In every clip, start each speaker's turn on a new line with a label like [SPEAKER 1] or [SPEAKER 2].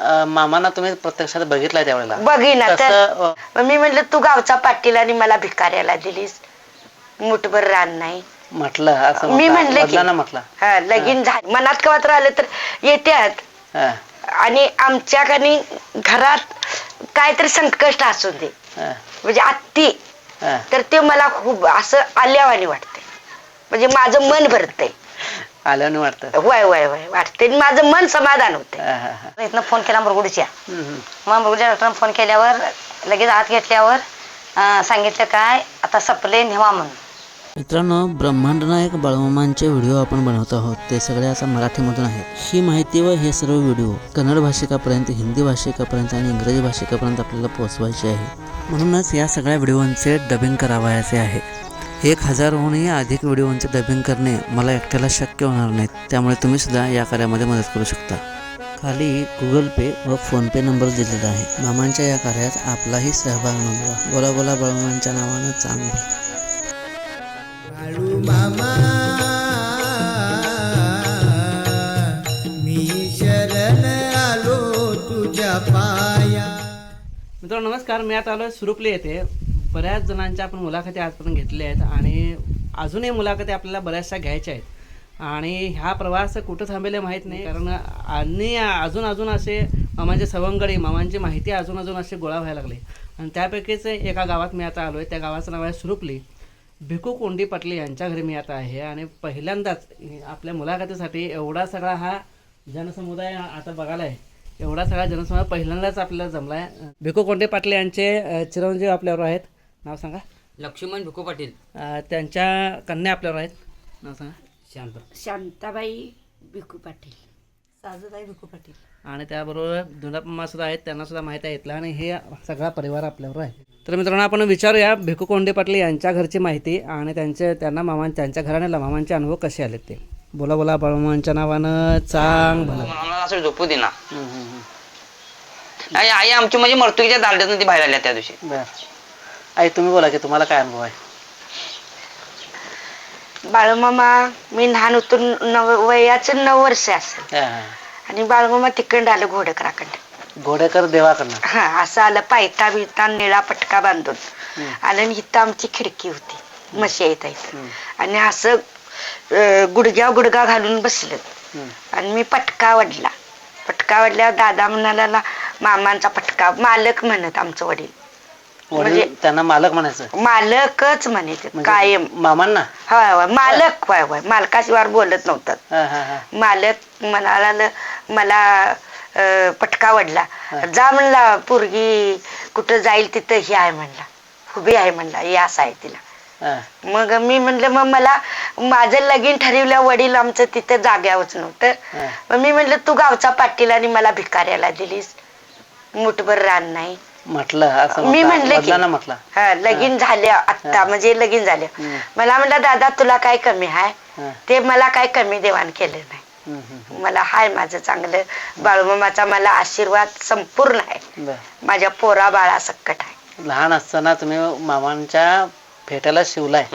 [SPEAKER 1] मामांना तुम्ही प्रत्यक्षात बघितलाय त्यावेळेला?
[SPEAKER 2] बघिना तर मी म्हटलं तू गावचा पाटील आणि मला भिकाऱ्याला दिलीस, मुठभर रान नाही
[SPEAKER 1] म्हटलं असं
[SPEAKER 2] मी म्हणले की
[SPEAKER 1] म्हटलं
[SPEAKER 2] हा लगीन झालं मनात कवातर आलं तर येत्यात आणि आमच्याकडे घरात काहीतरी संकष्ट असू दे म्हणजे आत्ती तर ते मला खूप असं आल्यावानी वाटते, म्हणजे माझं मन भरतंय
[SPEAKER 1] आल्याने वाटतं.
[SPEAKER 2] वय वय वय वाटते माझं मन समाधान होते. इथनं फोन केला मुरगुडच्या, मग मुरगुडच्या डॉक्टरने फोन केल्यावर लगेच आत घेतल्यावर सांगितलं काय आता सपले नेवा म्हणून.
[SPEAKER 3] मित्रांनो, ब्रह्मांड नायक बाळूमामांचे व्हिडिओ आपण बनवत आहोत, ते सगळे आता मराठीमधून आहेत. ही माहिती व हे सर्व व्हिडिओ कन्नड भाषिकापर्यंत, हिंदी भाषिकापर्यंत आणि इंग्रजी भाषिकापर्यंत आपल्याला पोहोचवायचे आहे. म्हणूनच या सगळ्या व्हिडिओंचे डबिंग करावयाचे आहे. 1000हूनही अधिक व्हिडिओंचे डबिंग करणे मला एकट्याला शक्य होणार नाहीत, त्यामुळे तुम्ही सुद्धा या कार्यामध्ये मदत करू शकता. खाली गुगल पे व फोनपे नंबर दिलेला आहे. मामांच्या या कार्यात आपलाही सहभाग नोंदवा. बोला बोला बाळूमामांच्या नावानं चांगलं.
[SPEAKER 4] बाळू मामा मी शरण आलो तुझ्या पाया.
[SPEAKER 3] मित्रांनो नमस्कार, मी आता आलो सुरुपली येथे. बऱ्याच जणांच्या आपण मुलाखती आजपर्यंत घेतल्या आहेत आणि अजूनही मुलाखती आपल्याला बऱ्याचशा घ्यायच्या आहेत आणि ह्या प्रवास कुठं थांबेले माहीत नाही, कारण आणि अजून असे मामांचे सवंगडी, मामांची माहिती अजून असे गोळा व्हायला लागले आणि त्यापैकीच एका गावात मी आता आलो आहे. त्या गावाचं नाव आहे सुरुपली. भिकू कोंडी पाटले यांच्या घरी मी आता आहे आणि पहिल्यांदाच आपल्या मुलाखतीसाठी एवढा सगळा हा जनसमुदाय आता बघायला आहे. एवढा सगळा जनसमुदाय पहिल्यांदाच आपल्याला जमला आहे. भिकू कोंडी पाटले यांचे चिरंजीव आपल्यावर आहेत. नाव सांगा.
[SPEAKER 5] लक्ष्मण भिकू पाटील.
[SPEAKER 3] त्यांच्या कन्या आपल्यावर आहेत. नाव सांगा.
[SPEAKER 2] शांताबाई भिकू पाटील, साजूबाई भिकू पाटील
[SPEAKER 3] आणि त्याबरोबर धुनापम्मा सुद्धा आहेत, त्यांना सुद्धा माहीत आहे इथला आणि हे सगळा परिवार आपल्यावर आहे. तर मित्रांनो आपण विचारूया भिकू कोंडे पाटील यांच्या घरची माहिती आणि त्यांच्या घराण्याला मामांचे अनुभव कसे आले ते. बोला बोला बाळूमामांच्या नावानं चांग भला.
[SPEAKER 5] मला असं झोपू दे ना. आई आमची म्हणजे मर्तुकीच्या दांड्यातून ती बाहेर आल्या त्या दिवशी.
[SPEAKER 1] बर आई तुम्ही बोला की तुम्हाला काय अनुभव आहे?
[SPEAKER 2] बाळूमामा मी लहान होतो, वयाचं 9 वर्ष असेल आणि बाळूमामा तिकडं आलं
[SPEAKER 1] घोडेकर देवाकडनं.
[SPEAKER 2] हा असं आलं, पायता बिता निळा पटका बांधून आलं आणि इथं आमची खिडकी होती म्हशी येत आणि असं गुडघा घालून बसलं आणि मी पटका वडल्यावर दादा म्हणाला मामांचा पटका, मालक म्हणत आमचं वडील,
[SPEAKER 1] म्हणजे त्यांना मालक म्हणायचं?
[SPEAKER 2] मालकच म्हणायचे कायम
[SPEAKER 1] मामांना.
[SPEAKER 2] होय मालक, होय मालकाशिवाय बोलत नव्हतं. मालक म्हणाला मला पटका वडला, जा म्हणला पोरगी कुठं जाईल तिथं ही आहे म्हणला, उभी आहे म्हणला, हे असं आहे तिला. मग मी म्हणलं मग मला माझं लगीन ठरवल्या वडील आमचं तिथं जाग्यावरच नव्हतं. मग मी म्हणलं तू गावचा पाटील आणि मला भिकाऱ्याला दिलीस, मुठभर रान नाही
[SPEAKER 1] म्हटलं असं
[SPEAKER 2] मी म्हणले की
[SPEAKER 1] म्हटलं
[SPEAKER 2] हा लगीन झाल्या आत्ता, म्हणजे लगीन झाल्या. मला म्हणलं दादा तुला काय कमी आहे, ते मला काय कमी देवाण केलं नाही, मला हाय माझं चांगलं. बाळूमामाचा मला आशीर्वाद संपूर्ण आहे, माझ्या पोरा बाळा सकट आहे.
[SPEAKER 1] लहान असताना तुम्ही मामांच्या फेट्याला शिवलाय?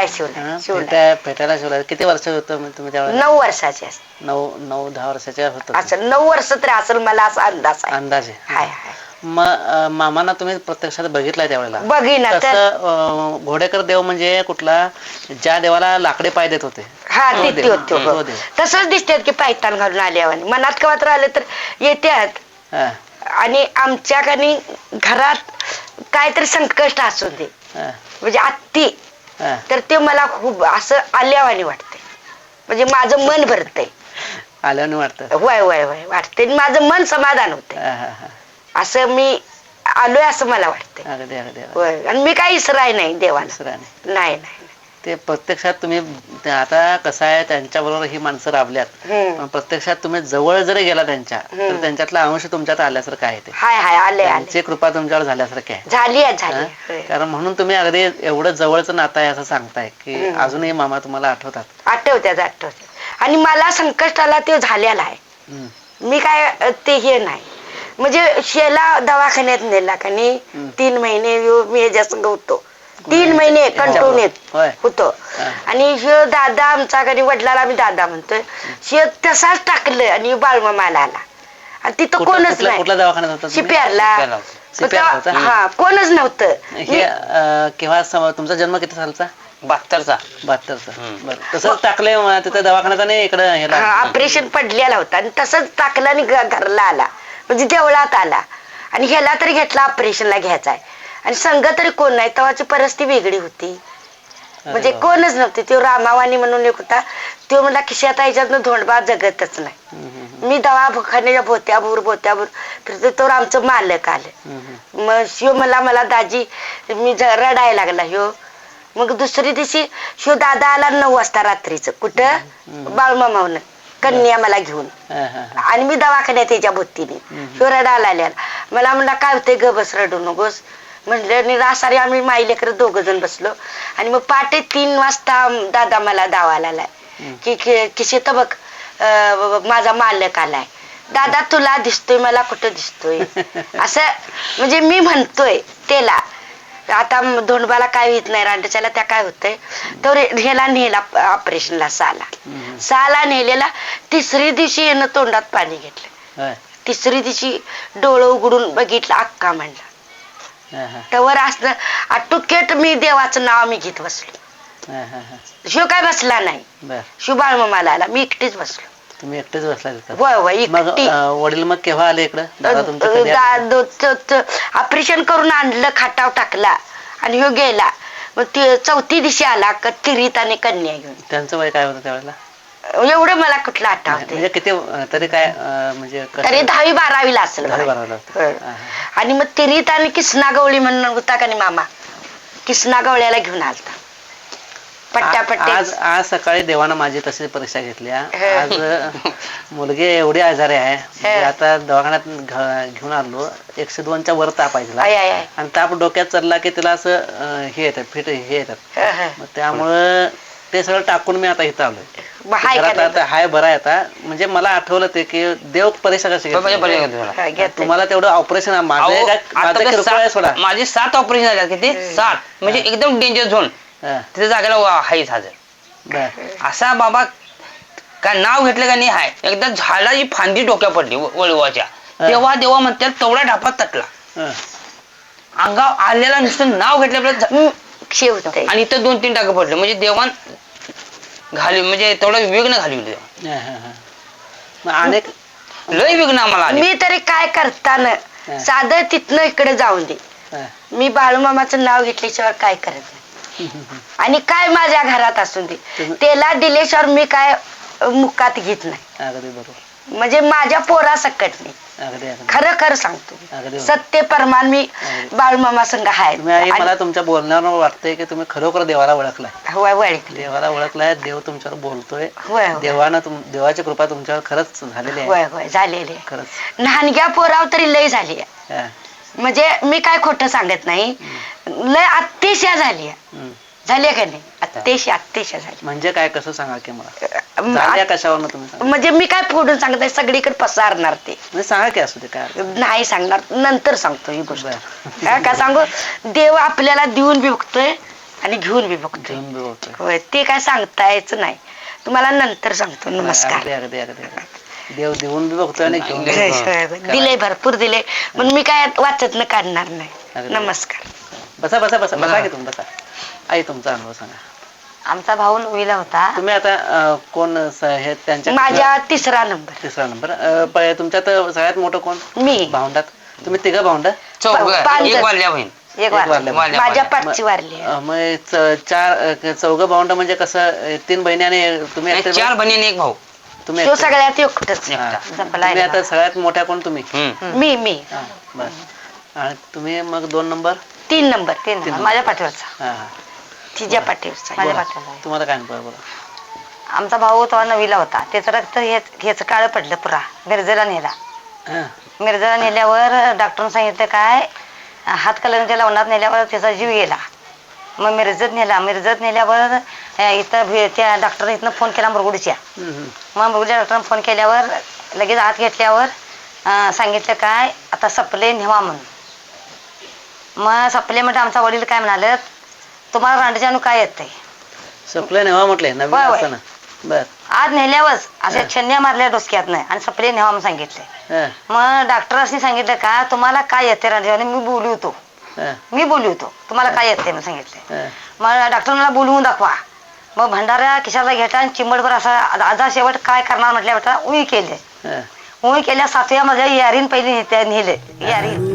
[SPEAKER 1] फेट्याला शिवलाय. किती वर्ष होतं तुम्ही त्यावेळेला?
[SPEAKER 2] 9 वर्षाचे.
[SPEAKER 1] 9-10 वर्षाच्या होत
[SPEAKER 2] असं 9 वर्ष तरी असेल मला असा अंदाज आहे. हाय
[SPEAKER 1] मग मामांना तुम्ही प्रत्यक्षात बघितलाय त्यावेळेला?
[SPEAKER 2] बघिना तर
[SPEAKER 1] घोडेकर देव म्हणजे कुठला? ज्या देवाला लाकडे पाय देत होते.
[SPEAKER 2] हा देते होते तसंच दिसतात की पायतान घालून आल्यावर मनात कवातर आलं तर येत्यात आणि आमच्याकडे घरात काहीतरी संकष्ट असू दे म्हणजे आत्ती तर ते मला खूप असं आल्यावानी वाटते, म्हणजे माझं मन भरतंय.
[SPEAKER 1] आल्याने वाटतं?
[SPEAKER 2] वय वय वय वाटते, माझं मन समाधान होते. असं मी आलोय असं मला वाटतंय. आणि मी काही इसराय नाही देवाला. नाही.
[SPEAKER 1] ते प्रत्यक्षात तुम्ही आता कसं आहे, त्यांच्या बरोबर ही माणसं राबल्यात, प्रत्यक्षात तुम्ही जवळ जरी गेला त्यांच्या तर त्यांच्यातला अंश तुमच्यात आल्यासारखं आहे. ते त्यांची कृपा तुमच्यावर झाल्यासारखी आहे.
[SPEAKER 2] झाली.
[SPEAKER 1] कारण म्हणून तुम्ही अगदी एवढं जवळचं नातं आहे असं सांगताय की अजूनही मामा तुम्हाला आठवतात?
[SPEAKER 2] आठवतात आणि मला संकष्ट आला ते झालेला आहे. मी काय ते हे नाही, म्हणजे शेला दवाखान्यात नेला का नाही 3 महिने मी ह्याच्या संग होतो. 3 महिने कंटिन्यू होतो आणि हे दादा आमचा कधी वडिलाला आम्ही दादा म्हणतोय, हे तसाच टाकलं आणि बाळूमामाला आला आणि तिथं
[SPEAKER 1] कुठं-
[SPEAKER 2] कोणच
[SPEAKER 1] कुठल्या
[SPEAKER 2] नाही.
[SPEAKER 1] कुठल्या दवाखान्यात होता तुम्ही?
[SPEAKER 2] शिप्यारला
[SPEAKER 1] शिप्यारला होता?
[SPEAKER 2] हा कोणच नव्हतं.
[SPEAKER 1] हे केव्हा तुमचा जन्म किती सालचा?
[SPEAKER 5] 72चा
[SPEAKER 1] 72चा. बरं तसंच टाकले तिथे दवाखान्यात आणि इकडे ह्याला
[SPEAKER 2] ऑपरेशन पडलेला होता आणि तसंच टाकलं आणि घरला आला, म्हणजे देवळात आला. आणि ह्याला तरी घेतला ऑपरेशनला घ्यायचाय आणि संघ तरी कोण नाही. तेव्हाची परिस्थिती वेगळी होती, म्हणजे कोणच नव्हते. तो रामावानी म्हणून एक होता, तो म्हणला खिशात याच्यातनं धोंडबा जगतच नाही. मी दवाखान्याच्या बोत्याभूर फिरते, तो आमचं मालक आलं. मग शिव मला दाजी मी रडायला लागला ह्यो. मग दुसरी दिवशी शिव दादा आला 9 वाजता रात्रीचं. कुठं? बाळूमामावनं कन्या मला घेऊन. आणि मी दवाखान्यात त्याच्या भोवतीने. शिव रडायला आल्या. मला म्हणला काय होतंय ग, बस रडू नकोस म्हणलं. निरासारी आम्ही माई लेकरं 2 जण बसलो. आणि मग पहाटे 3 वाजता दादा मला दावाला आलाय की किशेत बघ माझा मालक आलाय. दादा तुला दिसतोय, मला कुठं दिसतोय असं म्हणजे मी म्हणतोय त्याला. आता धोंडबाला काय होत नाही, रांडच्याला त्या काय होतंय. तो ह्याला नेला ऑपरेशनला, साला नेलेला. 3री दिवशी येणं तोंडात पाणी घेतलं. 3री दिवशी डोळं उघडून बघितलं, अक्का म्हणला. तवर असं आटुकेट मी देवाचं नाव मी घेत बसलो. शिव काय बसला नाही, शिव बाळमामाला आला, मी एकटीच बसलो.
[SPEAKER 1] तुम्ही एकटेच बसला तिथं?
[SPEAKER 2] होय एकटी.
[SPEAKER 1] वडील मग केव्हा आले इकडं?
[SPEAKER 2] ऑपरेशन करून आणलं, खाटाव टाकला आणि ह्यो गेला. मग 4थी दिवशी आला तिरीत आणि कन्या घेऊन.
[SPEAKER 1] त्यांचं वय काय होतं त्यावेळेला?
[SPEAKER 2] एवढं मला कुठलं आठवते.
[SPEAKER 1] म्हणजे किती तरी काय म्हणजे
[SPEAKER 2] तरी 10वी-12वीला असेल.
[SPEAKER 1] 10-12
[SPEAKER 2] आणि मग तिरीत आणि किसना गवळी म्हणून होता का नाही मामा, किसना गवळ्याला घेऊन आलता.
[SPEAKER 1] आज सकाळी देवानं माझी तशी परीक्षा घेतली. आज मुलगी एवढी आजारी आहे, आता दवाखान्यात घेऊन आलो. 102च्या वर ताप आहे आणि ताप डोक्यात चढला की तिला असं हे येतात, फिट हे येतात. त्यामुळं ते सगळं टाकून मी आता इथं आलोय. हाय बरा आहे आता. म्हणजे मला आठवलं ते की देव परीक्षा कशी घेतली. तुम्हाला तेवढं ऑपरेशन
[SPEAKER 5] माझे 7 ऑपरेशन झाले. किती? 7 म्हणजे एकदम डेंजर झोन. तिथे जागेला हायच हजर. असा बाबा काय नाव घेतलं का नाही हाय. एकदा झाडाची फांदी डोक्या पडली वळवाच्या. देवा देवा म्हणतात तेवढा ढापात तटला. अंगाव आलेला नुसतं नाव घेतलं आणि इथं 2-3 टाके पडले. म्हणजे देवान घाली, म्हणजे तेवढा विघ्न घालवले.
[SPEAKER 1] अनेक
[SPEAKER 5] लय विघ्न आम्हाला.
[SPEAKER 2] मी तरी काय करताना साधं तिथनं इकडे जाऊन दे, मी बाळूमामाचं नाव घेतल्याशिवाय काय करत नाही. आणि काय माझ्या घरात असून दे, त्याला दिल्याशिवाय मी काय मुकात घेत नाही.
[SPEAKER 1] अगदी बरोबर.
[SPEAKER 2] म्हणजे माझ्या पोरा सकट नाही. खरं सांगतो, सत्य परमान मी बाळूमामा संघ आहे.
[SPEAKER 1] मला तुमच्या बोलण्यावर वाटतंय की तुम्ही खरोखर देवाला ओळखलाय. देवाला ओळखलाय. देव तुमच्यावर बोलतोय. देवाची कृपा तुमच्यावर खरंच झालेली आहे.
[SPEAKER 2] झालेली आहे खरंच. लहानग्या पोराव तरी लय झाली आहे. म्हणजे मी काय खोटं सांगत नाही, लय अतिशय झाली झाली का नाही. अतिशय झाली.
[SPEAKER 1] म्हणजे काय, कसं सांगा की मला कशावर तुम्ही?
[SPEAKER 2] म्हणजे मी काय फोडून सांगत नाही, सगळीकडे पसारणार ते.
[SPEAKER 1] सांगा की असू दे, काय
[SPEAKER 2] नाही सांगणार, नंतर सांगतो ही गोष्ट. काय सांगू, देव आपल्याला देऊन बी बघतोय आणि घेऊन बी बघतोय. ते काय सांगता यायचं नाही, तुम्हाला नंतर सांगतो. नमस्कार.
[SPEAKER 1] देव देऊन बी बघतोय आणि
[SPEAKER 2] दिले, भरपूर दिले, पण मी काय वाचत न काढणार नाही. नमस्कार.
[SPEAKER 1] बसा बसा बसा बसा की तुम्ही बसा. आई तुमचा अनुभव सांगा.
[SPEAKER 6] आमचा भाऊ 9वीला होता.
[SPEAKER 1] तुम्ही आता कोण हे त्यांच्या?
[SPEAKER 2] माझ्या 3रा नंबर.
[SPEAKER 1] तुमच्यात सगळ्यात मोठं कोण?
[SPEAKER 2] मी.
[SPEAKER 1] भावंडात तुम्ही 3 भावंड?
[SPEAKER 2] एक माझ्या पाठची वारली.
[SPEAKER 1] मग 4 भावंड म्हणजे कसं? 3 बहिणी आणि तुम्ही?
[SPEAKER 5] 4 बहिणी आणि 1 भाऊ.
[SPEAKER 2] तुम्ही सगळ्यात एकटच.
[SPEAKER 1] तुम्ही आता सगळ्यात मोठ्या कोण? तुम्ही.
[SPEAKER 2] मी.
[SPEAKER 1] आणि तुम्ही मग 2 नंबर?
[SPEAKER 2] 3 नंबर. माझ्या पाठीवरचा. तिच्या पाठीवरचा.
[SPEAKER 1] तुम्हाला काय अनुभव बोला?
[SPEAKER 6] आमचा भाऊ तेव्हा 9वीला होता. त्याचं रक्त ह्याच काळ पडलं पुरा. मिरजेला नेला. मिरजेला नेल्यावर डॉक्टरने सांगितलं काय, हातकलंगच्या लवणात नेल्यावर त्याचा जीव गेला. मग मिरजत नेल्यावर इथं त्या डॉक्टरने इथनं फोन केला मुरगुडच्या. मग मुरगुडच्या डॉक्टरने फोन केल्यावर लगेच आत घेतल्यावर सांगितलं काय, आता सपले नेवा म्हणून. मग सपले म्हणजे आमचा वडील काय म्हणाले, तुम्हाला रांडच्यानं काय येतंय?
[SPEAKER 1] सपले नेवा म्हटले. बर
[SPEAKER 6] आज नेल्यावरच अशा छन्न्या मारल्या डोसक्यात नाही आणि सपले नेवा म्हणून सांगितले. मग डॉक्टरांनी सांगितलं का तुम्हाला काय येते राजा, मी बोलू होतो तुम्हाला काय येते म्हणून सांगितले. मग डॉक्टरांना बोलवून दाखवा. मग भंडारा खिशाला घेता आणि चिंबडभर असा आजा शेवट काय करणार म्हटल्या उई केले. उई केल्या 7व्या मजल्या यारीन पहिली नेले यारी